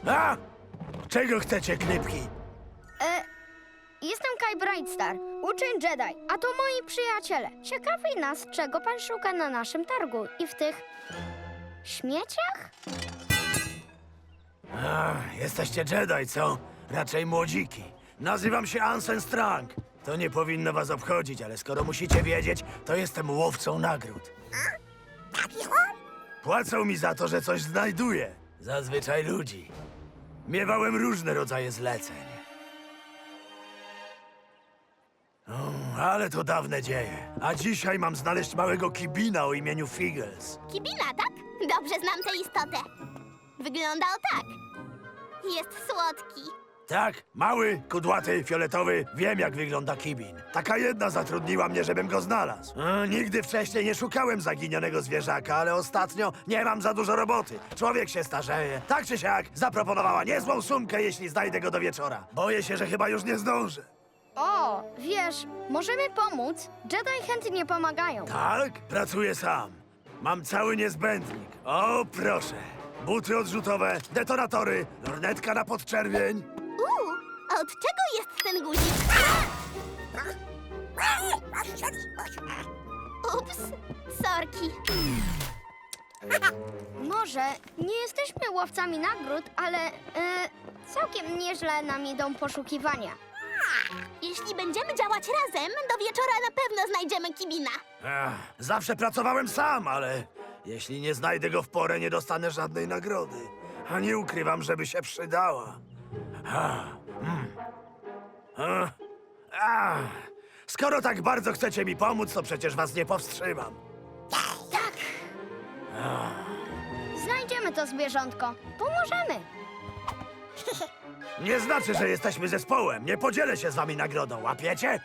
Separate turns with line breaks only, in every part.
A! Czego chcecie, knypki?
Jestem Kai Brightstar, uczeń Jedi, a to moi przyjaciele. Ciekawi nas, czego pan szuka na naszym targu i w tych śmieciach?
Jesteście Jedi, co? Raczej młodziki. Nazywam się Ansen Strang. To nie powinno was obchodzić, ale skoro musicie wiedzieć, to jestem łowcą nagród. Płacą mi za to, że coś znajduję. Zazwyczaj ludzi. Miewałem różne rodzaje zleceń. Ale to dawne dzieje. A dzisiaj mam znaleźć małego kibina o imieniu Figgles.
Kibina, tak? Dobrze znam tę istotę. Wygląda o tak. Jest słodki.
Tak, mały, kudłaty, fioletowy. Wiem, jak wygląda kibin. Taka jedna zatrudniła mnie, żebym go znalazł. Nigdy wcześniej nie szukałem zaginionego zwierzaka, ale ostatnio nie mam za dużo roboty. Człowiek się starzeje. Tak czy siak, zaproponowała niezłą sumkę, jeśli znajdę go do wieczora. Boję się, że chyba już nie zdążę.
O, wiesz, możemy pomóc. Jedi chętnie pomagają.
Tak? Pracuję sam. Mam cały niezbędnik. O, proszę. Buty odrzutowe, detonatory, lornetka na podczerwień.
A od czego jest ten guzik? Ups, sorki.
Może nie jesteśmy łowcami nagród, ale całkiem nieźle nam idą poszukiwania.
Jeśli będziemy działać razem, do wieczora na pewno znajdziemy Kibina.
Zawsze pracowałem sam, ale jeśli nie znajdę go w porę, nie dostanę żadnej nagrody. A nie ukrywam, żeby się przydała. Skoro tak bardzo chcecie mi pomóc, to przecież was nie powstrzymam.
Znajdziemy to zwierzątko. Pomożemy.
Nie znaczy, że jesteśmy zespołem. Nie podzielę się z wami nagrodą, łapiecie?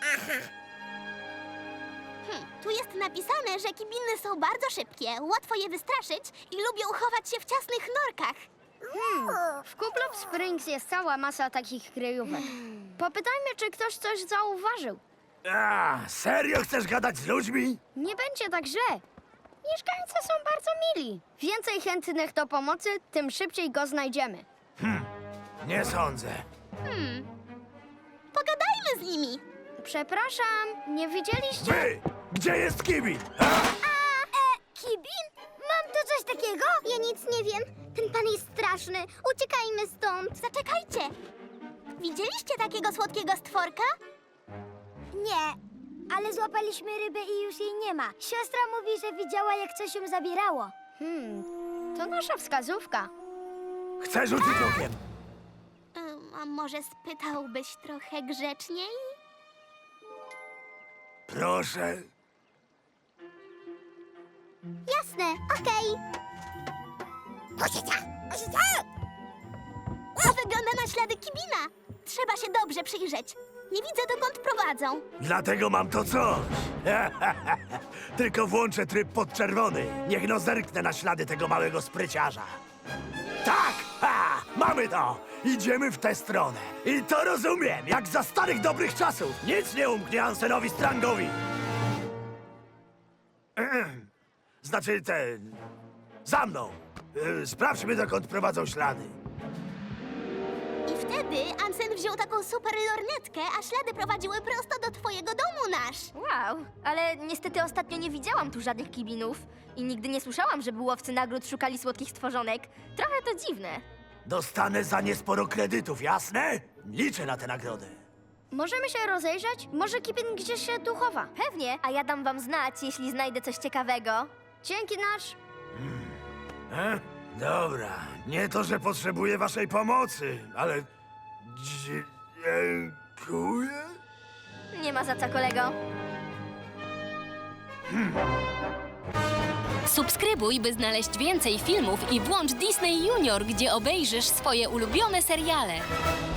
Tu jest napisane, że kibiny są bardzo szybkie, łatwo je wystraszyć i lubią chować się w ciasnych norkach.
W Kuplop Springs jest cała masa takich kryjówek. Popytajmy, czy ktoś coś zauważył.
Serio chcesz gadać z ludźmi?
Nie będzie tak źle. Mieszkańcy są bardzo mili. Więcej chętnych do pomocy, tym szybciej go znajdziemy.
Nie sądzę.
Pogadajmy z nimi.
Przepraszam, nie widzieliście?
Wy! Gdzie jest kibin?
Kibin? Mam tu coś takiego? Ja nic nie wiem. Ten pan jest straszny. Uciekajmy stąd. Zaczekajcie. Widzieliście takiego słodkiego stworka?
Nie, ale złapaliśmy rybę i już jej nie ma. Siostra mówi, że widziała, jak coś ją zabierało.
To nasza wskazówka.
Chcę rzucić okiem.
A może spytałbyś trochę grzeczniej?
Proszę.
Jasne, okej. To wygląda na ślady kibina. Trzeba się dobrze przyjrzeć. Nie widzę, dokąd prowadzą.
Dlatego mam to coś. Tylko włączę tryb podczerwony. Niech no zerknę na ślady tego małego spryciarza. Tak! Mamy to! Idziemy w tę stronę. I to rozumiem, jak za starych dobrych czasów. Nic nie umknie Ansenowi Strangowi. Znaczy za mną. Sprawdźmy, dokąd prowadzą ślady.
I wtedy Ansen wziął taką super lornetkę, a ślady prowadziły prosto do twojego domu nasz.
Wow, ale niestety ostatnio nie widziałam tu żadnych kibinów i nigdy nie słyszałam, żeby łowcy nagród szukali słodkich stworzonek. Trochę to dziwne.
Dostanę za nie sporo kredytów, jasne? Liczę na tę nagrodę.
Możemy się rozejrzeć? Może kibin gdzieś się tu chowa.
Pewnie, a ja dam wam znać, jeśli znajdę coś ciekawego.
Dzięki nasz.
Dobra, nie to, że potrzebuję waszej pomocy, ale dziękuję.
Nie ma za co, kolego.
Subskrybuj, by znaleźć więcej filmów i włącz Disney Junior, gdzie obejrzysz swoje ulubione seriale.